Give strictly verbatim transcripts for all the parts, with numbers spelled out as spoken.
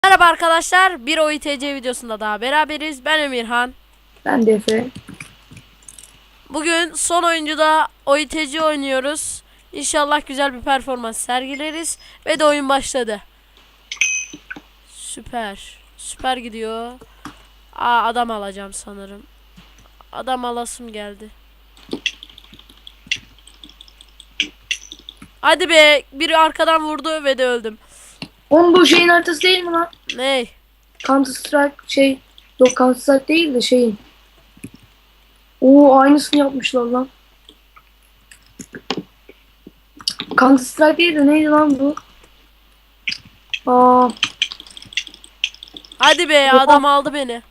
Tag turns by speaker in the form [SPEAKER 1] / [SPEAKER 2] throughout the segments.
[SPEAKER 1] Merhaba arkadaşlar, bir O İ T C videosunda daha beraberiz. Ben Emirhan.
[SPEAKER 2] Ben de Efe.
[SPEAKER 1] Bugün son oyuncuda O İ T C oynuyoruz. İnşallah güzel bir performans sergileriz. Ve de oyun başladı. Süper. Süper gidiyor. Aa, adam alacağım sanırım. Adam alasım geldi. Hadi be, biri arkadan vurdu ve de öldüm.
[SPEAKER 2] Oğlum bu şeyin haritası değil mi lan?
[SPEAKER 1] Ney?
[SPEAKER 2] Counter Strike şey. Yok Counter Strike değil de şeyin. Oo aynısını yapmışlar lan. Counter Strike değil de neydi lan bu? Aa,
[SPEAKER 1] Hadi be,
[SPEAKER 2] oha.
[SPEAKER 1] adam aldı beni.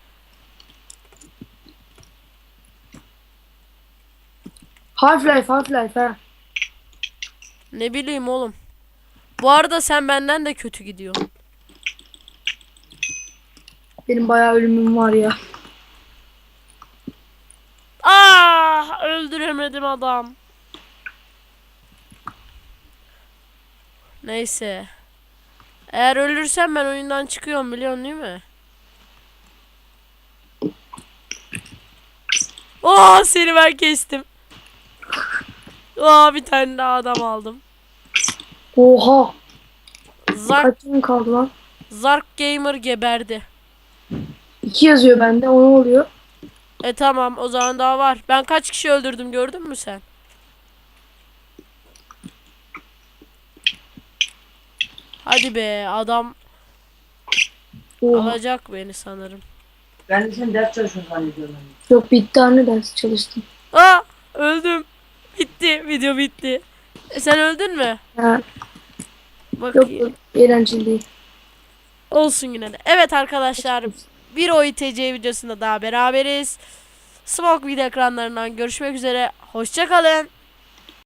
[SPEAKER 2] Half-Life Half-Life ha.
[SPEAKER 1] Ne bileyim oğlum. Bu arada sen benden de kötü gidiyorsun.
[SPEAKER 2] Benim bayağı ölümüm var ya.
[SPEAKER 1] Ah, öldüremedim adam. Neyse. Eğer ölürsem ben oyundan çıkıyorum, biliyorsun değil mi? Oo, seni ben kestim. Oo, bir tane daha adam aldım.
[SPEAKER 2] Oha.
[SPEAKER 1] Zark
[SPEAKER 2] Kaç gün kaldı lan?
[SPEAKER 1] Zark Gamer geberdi.
[SPEAKER 2] İki yazıyor bende. O ne oluyor?
[SPEAKER 1] E tamam, o zaman daha var. Ben kaç kişi öldürdüm, gördün mü sen? Hadi be, adam
[SPEAKER 2] Oha.
[SPEAKER 1] alacak beni sanırım.
[SPEAKER 2] Ben de sen ders çalışıyorsun zannediyorum. Yok bir tane ders çalıştım.
[SPEAKER 1] Aa, öldüm. Bitti, video bitti. E, sen öldün mü?
[SPEAKER 2] Ha, yok
[SPEAKER 1] Bakayım.
[SPEAKER 2] yok eğlenceli değil.
[SPEAKER 1] Olsun yine de. Evet arkadaşlar, bir O İ T C videosunda daha beraberiz. Smoke video ekranlarından görüşmek üzere. Hoşça kalın.